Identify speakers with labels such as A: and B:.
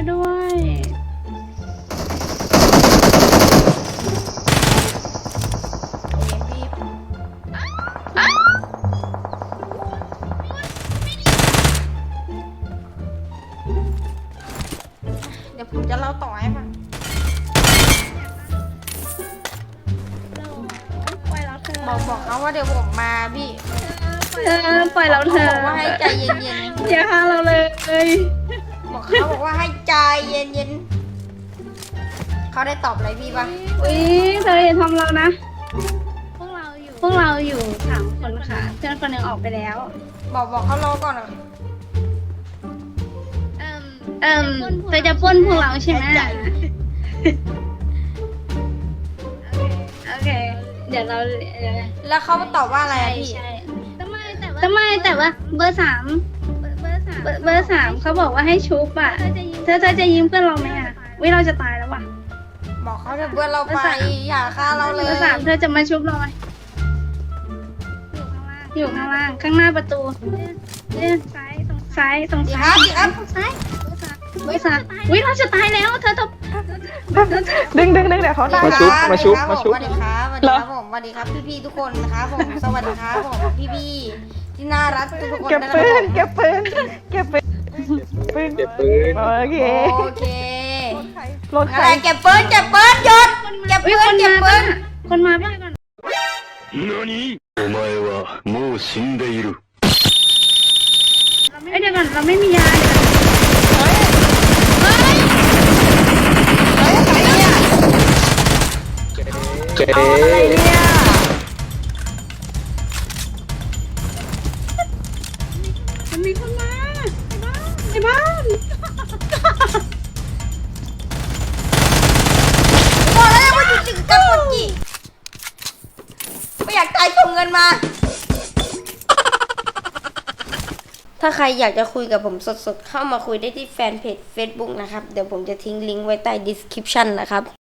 A: ด้วย
B: เดี๋ยวผมจะเล่าต่อให้ฟัง
A: ปล่อยเราเธอ
B: บอกเขาว่าเดี๋ยวผมมาพี่
A: ปล่อยเราเธอ
B: บอกว่าให้ใจเย็น
A: อย่าฆ่าเราเลย
B: ๆบอกว่าให้ใจเย็นๆเขาได้ตอบอะไรพี่ปะ
A: อุ้ยเธออย่าทำเรานะ พวกเราอยู่3 คนค่ะเพื่อนคนหนึ่งออกไปแล้ว
B: บอกเขารอก่อนเหรอ
A: เธอจะปล้นพวกเราใช่ไหมโอเค เดี๋ยวเรา
B: แล้วเขาตอบว่าอะไรอะพี่
A: ใช่ทำไมแต่ว่าเบอร์ 3เบอร์ 3เขาบอกว่าให้ชุบอ่ะเธอจะยิงเพื่อนเราไหมอ่ะวิเราจะตายแล้วว่ะ
B: บอกเขาเถอะเพื่อนเราไปอย่าฆ่าเราเล
A: เบ
B: ย
A: อร์ 3เธอจะมาชุบเราไหมอยู่ข้างล่างข้างหน้าประตูซ้ายตรง
B: ดี
A: ซ้า
B: ค
A: ย
B: รับดีครับ
A: เบอร์ 3วิเราจะตายแล้วเธอต้อง
C: ดึงเดี๋ยวเขาได้
B: มา
C: นะ
B: ชุบสวัสดีครับผมสวัสดีครับพี่ๆทุกคนนะครับผมสวัสดีครับผมพี่ๆที่น่ารักทุกคน
C: เก็บ
B: นะค
C: ปื
B: รับ
C: นเก็บปืนเก็บปืนโอเค
B: โอเค
C: รถใค
B: อะ
C: ร
B: ไรเก็บปืนหยุดเก็บปืน
A: คนมาบ้างก่อน
D: 何お前はもう死んでいる。
A: เดี๋ยวก่อนเราไม่มียา
C: เอาอะไรเนี่ย
A: มันมีคนมาในบ้าน
B: บอกแล้วว่าอยู่จึงกับคนกี่ไม่อยากตายส่งเงินมา ถ้าใครอยากจะคุยกับผมสดๆเข้ามาคุยได้ที่แฟนเพจ Facebook นะครับเดี๋ยวผมจะทิ้งลิงก์ไว้ใต้ description นะครับ